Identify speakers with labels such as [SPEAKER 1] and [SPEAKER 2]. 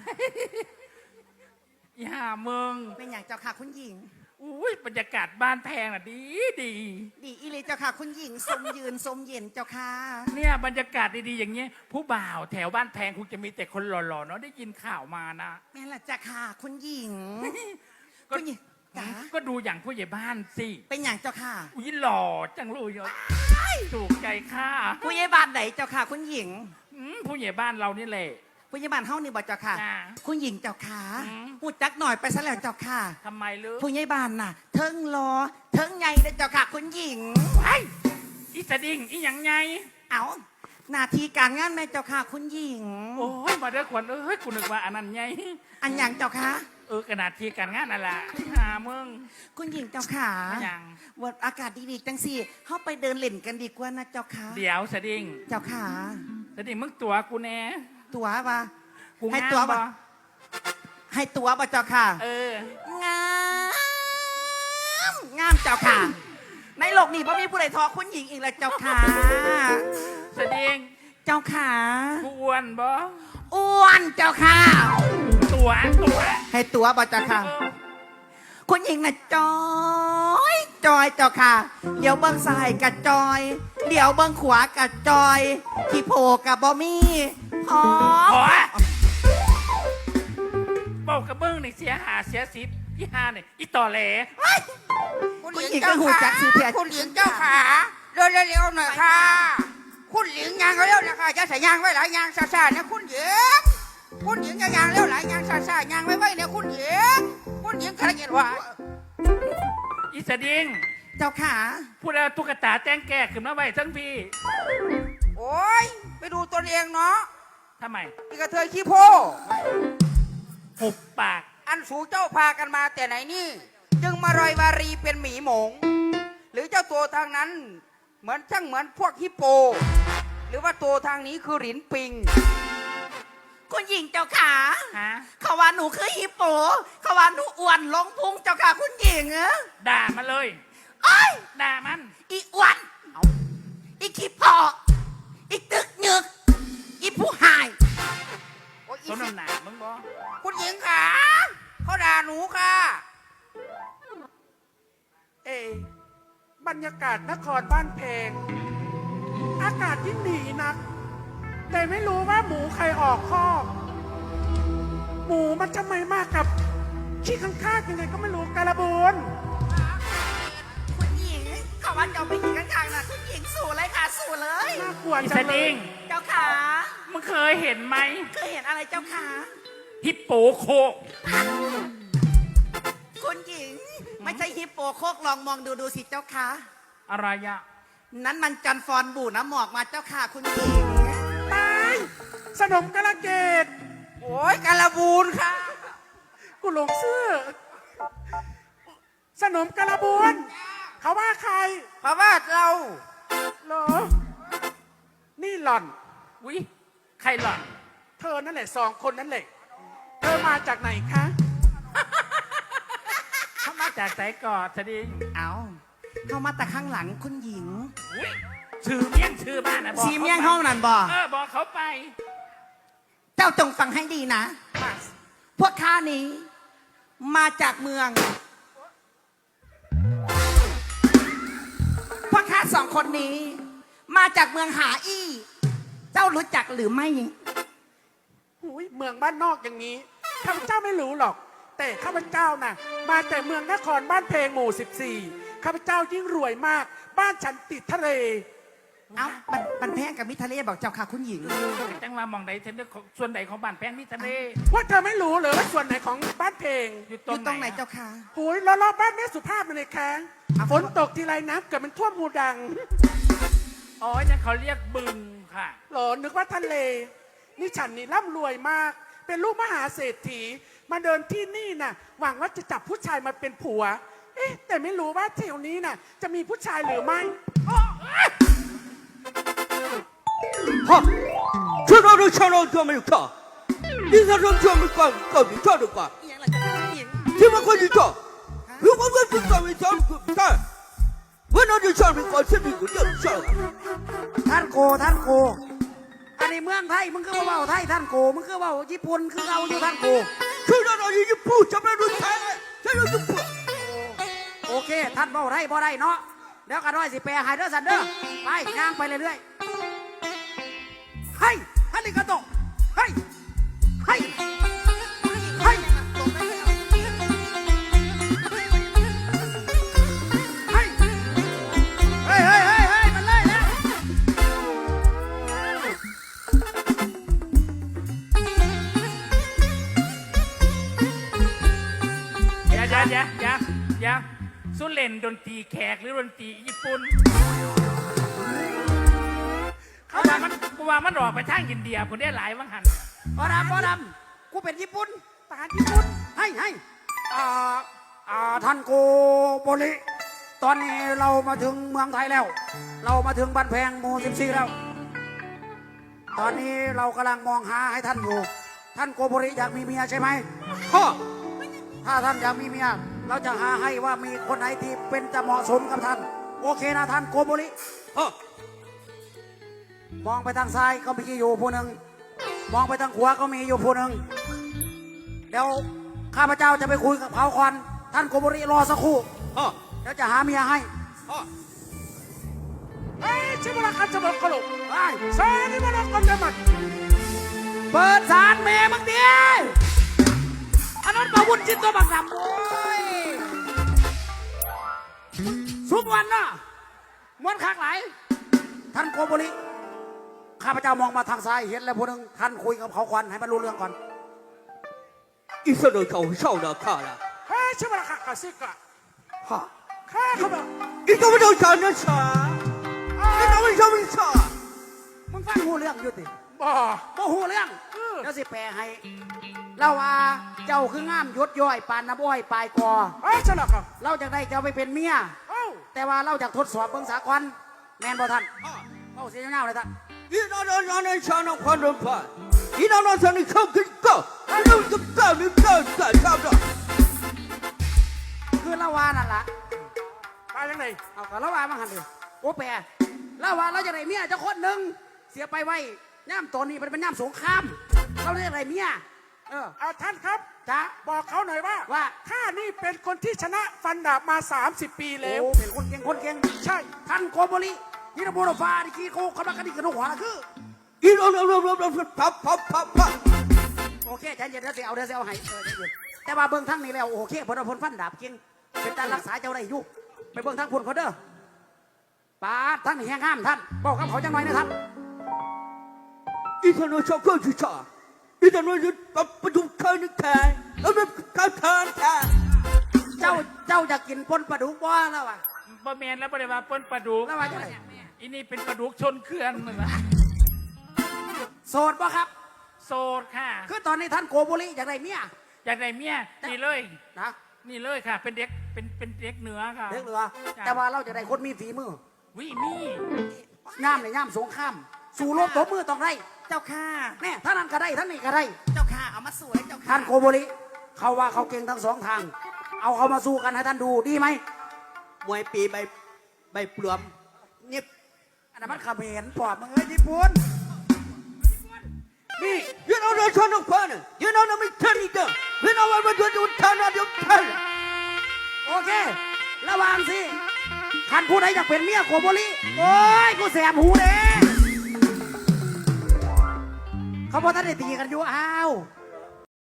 [SPEAKER 1] อย่าเมือง
[SPEAKER 2] เป็นอย่างเจ้าค่ะคุณหญิง
[SPEAKER 1] อุ้ยบรรยากาศบ้านแพงอ่ะดีดี
[SPEAKER 2] อีเลยเจ้าค่ะคุณหญิงสมยืนสมเย็นเจ้าค่ะ
[SPEAKER 1] เนี่ยบรรยากาศดีๆอย่างเงี้ยผู้บ่าวแถวบ้านแพงคงจะมีแต่คนหล่อๆเนาะได้ยินข่าวมานะ
[SPEAKER 2] แม่ละเจ้าค่ะคุณหญิง
[SPEAKER 1] คุณหญิงก็ดูอย่างผู้ใหญ่บ้านสิ
[SPEAKER 2] เป็นอย่างเจ้าค่ะ
[SPEAKER 1] อุ้ยหล่อจังเลยถูกใจค่ะ
[SPEAKER 2] ผู้ใหญ่บ้านไหนเจ้าค่ะคุณหญิง
[SPEAKER 1] ผู้ใหญ่บ้านเรานี่แหละ
[SPEAKER 2] ผู้ใหญ่บ้านเฮานี่บ่เจ้าค่ะคุณหญิงเจ้าค่ะพูดจักหน่อยไปซะแล้วเจ้าค่ะ
[SPEAKER 1] ทำไมลือ
[SPEAKER 2] ผู้ใหญ่บ้านน่ะเทิงรอเทิงใหญ่เจ้าค่ะคุณหญิง
[SPEAKER 1] ไอ้อีสดิ่งอีหยังไง
[SPEAKER 2] เอาหน้าที่การงานแม่เจ้าค่ะคุณหญิง
[SPEAKER 1] โอ้ยมาเด้อขวัญเอ้ยกูนึกว่าอันนั้นไง
[SPEAKER 2] อันอย่างเจ้าค่ะ
[SPEAKER 1] ขนาดที่การงานนั่นแหละหามึง
[SPEAKER 2] คุณหญิงเจ้าค่ะ
[SPEAKER 1] อย่าง
[SPEAKER 2] วันอากาศดีๆจังสิเข้าไปเดินเล่นกันดีกว่านะเจ้าค่ะ
[SPEAKER 1] เดี๋ยวสดิ่ง
[SPEAKER 2] เจ้าค่ะ
[SPEAKER 1] สดิ่งมึงตัวกูแน่
[SPEAKER 2] ตัวปะให้ตัวปะให้ตัวปะเจ้าค่ะงามเจ้าค่ะในโลกนี้พ่มีผู้ใดทอคุณหญิงอีกแล้วเจ้าค่ะ
[SPEAKER 1] สดิ่ง
[SPEAKER 2] เจ้าค่ะ
[SPEAKER 1] อ้วนบ่
[SPEAKER 2] อ้วนเจ้าค่ะ
[SPEAKER 1] ตัว
[SPEAKER 2] ให้ตัวปะเจ้าค่ะคุณหญิงน่ะจอยเจ้าค่ะเดี๋ยวเบิ้งซ้ายกับจอยเดี๋ยวเบิ้งขวากับจอยที่โผกับบอมี่อ๋อ
[SPEAKER 1] บอกกับเบิ้งนี่เสียหาเสียสิบยี่ห้าเนี่ยอีต่อแหล
[SPEAKER 2] คุณหญิงก็หูจักสิเพีย
[SPEAKER 3] คุณหญิงเจ้าขาเร็วๆหน่อยค่ะคุณหญิงยางเร็วนะคะจะใส่ยางไว้หลายยางซาๆนะคุณหญิงจะยางเร็วหลายยางซาๆยางไว้เนี่ยคุณหญิงขยันว่า
[SPEAKER 1] อีสดิ่ง
[SPEAKER 2] เจ้าขา
[SPEAKER 1] พูดแล้วตุ๊กตาแจ้งแก่ขึ้นมาไว้ทั้งพี่
[SPEAKER 3] โอ้ยไปดูตัวเองเนาะ
[SPEAKER 1] ทำไม
[SPEAKER 3] อีกระเทยขี้โพ
[SPEAKER 1] หุบปาก
[SPEAKER 3] อันสูเจ้าพากันมาแต่ไหนนี่จึงมารอยวารีเป็นหมีหมงหรือเจ้าตัวทางนั้นเหมือนพวกฮิปโปหรือว่าตัวทางนี้คือหลินปิง
[SPEAKER 2] คุณหญิงเจ้าขาเขาว่าหนูคือฮิปโปเขาว่าหนูอ้วนลงพุงเจ้าขาคุณหญิง
[SPEAKER 1] ด่ามาเลยด่ามัน
[SPEAKER 2] อีอ้วนอีขี้พออีตึกหนึกอีผู้หาย
[SPEAKER 1] ต้นน้ำหนามึงบอ
[SPEAKER 3] คุณหญิงขาเขาด่าหนูค่ะ
[SPEAKER 4] บรรยากาศนครบ้านเพงอากาศยิ่งดีนักแต่ไม่รู้ว่าหมูใครออกคอกหมูมันจะไม่มากกับขี้ข้างๆยังไงก็ไม่รู้การะบูน
[SPEAKER 2] คุณหญิงเขาว่าเจ้าไปยิงข้างๆนะคุณหญิงสู่เลยค่ะสู่เลย
[SPEAKER 4] น่ากลัวจังเลย
[SPEAKER 2] เจ้าขา
[SPEAKER 1] มึงเคยเห็นไหม
[SPEAKER 2] เคยเห็นอะไรเจ้าขา
[SPEAKER 1] ฮิปโปโค
[SPEAKER 2] คุณหญิงไม่ใช่ฮิปโปโคกลองมองดูสิเจ้าขา
[SPEAKER 1] อะไรอะ
[SPEAKER 2] นั้นมันจันฟอนบู่น้ำหมอกมาเจ้าค่ะคุณหญิง
[SPEAKER 4] ตายสนมกระเกด
[SPEAKER 3] โอ้ยกระบูนค่ะ
[SPEAKER 4] กูหลงเสื้อสนมกระบูนเขาว่าใคร
[SPEAKER 3] เขาว่าเรา
[SPEAKER 4] เหรอนี่หล่อน
[SPEAKER 1] วิใครหล่อน
[SPEAKER 4] เธอนั่นแหละ2 คนนั่นแหละเธอมาจากไหนคะ
[SPEAKER 1] เขามาจากไสกอดสดิ่ง
[SPEAKER 2] เข้ามาแต่ข้างหลังคุณหญิง
[SPEAKER 1] ชื่อเมี่ยงชื่อบ้านนะ
[SPEAKER 2] ชีเมี่ยงห้องนั่นบอก
[SPEAKER 1] บอกเขาไป
[SPEAKER 2] เจ้าจงฟังให้ดีนะพวกข้านี้มาจากเมืองพวกข้า2 คนนี้มาจากเมืองหาอี้เจ้ารู้จักหรือไม่
[SPEAKER 4] เมืองบ้านนอกอย่างนี้ข้าพเจ้าไม่รู้หรอกแต่ข้าพเจ้าน่ะมาแต่เมืองนครบ้านเพงหมู่14ข้าพเจ้ายิ่งรวยมากบ้านฉันติดทะเล
[SPEAKER 2] มันแพงกับมิทะเลบอกเจ้าค่ะคุณหญิง
[SPEAKER 1] จังว่ามองใดเทมส่วนใดของบ้านแพงมิทะเล
[SPEAKER 4] ว่าเธอไม่รู้เลยว่าส่วนไหนของบ้านเพง
[SPEAKER 2] อยู่ตรงไหนเจ้าค่ะ
[SPEAKER 4] โอ้ยรอบบ้านแม่สุภาพมันเลยแข้งฝนตกทีไรน้ำเกิดมันท่วมหูดัง
[SPEAKER 1] อ๋อนั่นเขาเรียกบึงค่ะ
[SPEAKER 4] หรอนึกว่าทะเลนี่ฉันนี่ร่ำรวยมากเป็นลูกมหาเศรษฐีมาเดินที่นี่น่ะหวังว่าจะจับผู้ชายมาเป็นผัวแต่ไม่รู้ว่าแถวนี้น่ะจะมีผู้ชายหรือไม่
[SPEAKER 3] ฮะฉันรู้ฉันรู้ตัวมันก็นี่ฉันรู้ตัวมันก็มีตัวดีกว่าที่มันคนดีตัว如果我不找你找你不干我那就找你搞这里个叫叫
[SPEAKER 2] ท่านโก
[SPEAKER 5] อันนี้เมืองไทยมึงคือเว่าไทยท่านโกมึงคือเว่าญี่ปุ่นคือเอาอยู่ท่านโก
[SPEAKER 3] คือเราอยู่พูดจะไม่รู้ใช่ใช่รู้พูด
[SPEAKER 5] โอเคท่านเว่าไทยบ่ได้เนาะเดี๋ยวกันร้อยสิแปลให้เด้อสันเด้อไปย่างไปเรื่อยๆให้ฮันนี่กระโตให้ให้ให้เฮ้ยเฮ้ยเฮ้ยเฮ้ยมันเลยแล้ว
[SPEAKER 1] อย่าสุเล่นดนตรีแขกหรือดนตรีญี่ปุ่นกูว่ามันออกไปทางอินเดียผมได้หลายวังหัน
[SPEAKER 5] บอดำกูเป็นญี่ปุ่นทหารญี่ปุ่นให้ท่านโกโบริตอนนี้เรามาถึงเมืองไทยแล้ว เรามาถึงบ้านแพงหมู่14แล้ว ตอนนี้เรากำลังมองหาให้ท่านอยู่ ท่านโกโบริอยากมีเมียใช่ไหมพ่อถ้าท่านอยากมีเมีย เราจะหาให้ว่ามีคนไหนที่เป็นจะเหมาะสมกับท่าน โอเคนะท่านโกโบริมองไปทางซ้ายก็มีอยู่ผู้หนึ่งมองไปทางขวาก็มีอยู่ผู้หนึ่งเดี๋ยวข้าพเจ้าจะไปคุยกับเขาก่อนท่านโกโบริรอสักครู่เดี๋ยวจะหาเมียให้
[SPEAKER 4] ชิบุระคันจะบอกกลุ
[SPEAKER 5] ไอ้
[SPEAKER 4] ซาลิบุระคันจะมัด
[SPEAKER 5] เปิดสารเมย์มึงเดียอันนั้นมาวุ่นจิ้นตัวบักดำโอ้ยสุกวันน่ะม้วนคักไหลายท่านโกโบริข้าพเจ้ามองมาทางซ้ายเห็นแล้วผู้หนึ่งท่านคุยกับเขาก่อนให้มันรู้เรื่องก่อน
[SPEAKER 3] 一说到搞笑的看了，
[SPEAKER 4] เฮ้ยชิบุระคันกสิกะ
[SPEAKER 5] พ่อ
[SPEAKER 4] ข้าเขาบอก
[SPEAKER 3] 你怎么就想着傻？你怎么想着傻？
[SPEAKER 5] มึงฟังหูเรื่องอยู่ติ
[SPEAKER 4] บ่
[SPEAKER 5] โมหูเรื่องเดี๋ยวสิแปลให้เราว่าเจ้าคืองามยศย่อยปานน้ำอ้อยปลายกอ
[SPEAKER 4] เฮ้ยชิบุระคัน
[SPEAKER 5] เราจะได้เจ้าไปเป็นเมีย
[SPEAKER 4] เอ้า
[SPEAKER 5] แต่ว่าเราจะทดสอบเบิ่งสากลแมนบ่ท่านเอาเสียงเงาเลยท่าน
[SPEAKER 3] 你那让人想着换着办，你那想你靠跟搞，你那就搞你搞干啥不着？
[SPEAKER 5] คือละวานั่นล่ะ
[SPEAKER 4] ตายยังไง
[SPEAKER 5] เอากับละวามาหันดิโอ้แปรละวาเราจะได้เมียเจ้าคนหนึ่งเสียไปไว้ย่ำตอนนี้มันเป็นย่ำสงครามเราได้ไรเมีย
[SPEAKER 4] ท่านครับ
[SPEAKER 5] จ้า
[SPEAKER 4] บอกเขาหน่อยว่า
[SPEAKER 5] ว่า
[SPEAKER 4] ข้านี่เป็นคนที่ชนะฟันดาบมา 30 ปีแล้ว
[SPEAKER 5] โอ้เป็นคนเก่งคนเก่ง
[SPEAKER 4] ใช่
[SPEAKER 5] ท่านโกโบริยินดีโบฟ้าดิคีโคเขาบักกันดิกระดูกหัวละคือ
[SPEAKER 3] 你啪，
[SPEAKER 5] โอเคใจเย็นเดี๋ยวเสียเอาให้ใจเย็นแต่ว่าเบิ่งทั้งนี้แล้วโอเคพลพลฟันดาบเก่งเป็นการรักษาเจ้าได้อยู่ไปเบิ่งทั้งคนเขาเด้อป้าท่านแห้งห้ามท่านบอกกับเขาจังหน่อยนะท่าน
[SPEAKER 3] 你看那小狗去啥？你在那就把不中看你看，看。
[SPEAKER 5] เจ้าจะกินปนปลาดุกบ่แล้ววะ
[SPEAKER 1] บ่แมนแล้วบ่ได้ว่าเปิ้นปลาดุก
[SPEAKER 5] แล้วว่าจะไหน
[SPEAKER 1] อีนี่เป็นปลาดุกชนเขื่อนมึงละ
[SPEAKER 5] โสดบ่ครับ
[SPEAKER 1] โสดค่ะ
[SPEAKER 5] คือตอนนี้ท่านโกโบริอยากได้เมีย
[SPEAKER 1] อยากได้เมียนี่เลย
[SPEAKER 5] นะ
[SPEAKER 1] นี่เลยค่ะ เป็นเด็กเป็นเด็กเหนือค่ะ
[SPEAKER 5] เด็กเหลือแต่ว่าเราจะได้คนมีฝีมือ
[SPEAKER 1] วิมี
[SPEAKER 5] ย่ามในย่ามสงครามสู่รบตบมือต้องได้
[SPEAKER 2] เจ้าค่ะ
[SPEAKER 5] แน่ท่านนั้นก็ได้ท่านนี้ก็ได้
[SPEAKER 2] เจ้าค่ะเอามาสวยเจ้าค่ะ
[SPEAKER 5] ท่านโกโบริเขาว่าเขาเก่งทั้งสองทาง เอาเขามาสู้กันให้ท่านดูดีไหม
[SPEAKER 3] มวยปีใบปลวมนี่
[SPEAKER 5] อันนั้นมันเขมรปอบมึงเอ้ยญี่ปุ่น
[SPEAKER 3] นี่ you know the son of fun you know the military gun you know what we do turn on your turn
[SPEAKER 5] โอเค ระวังสิท่านผู้ใดอยากเป็นเมียโกโบริโอ้ยกูแสบหูเด้เขาบอกท่านได้ตีกันอยู่อ้าว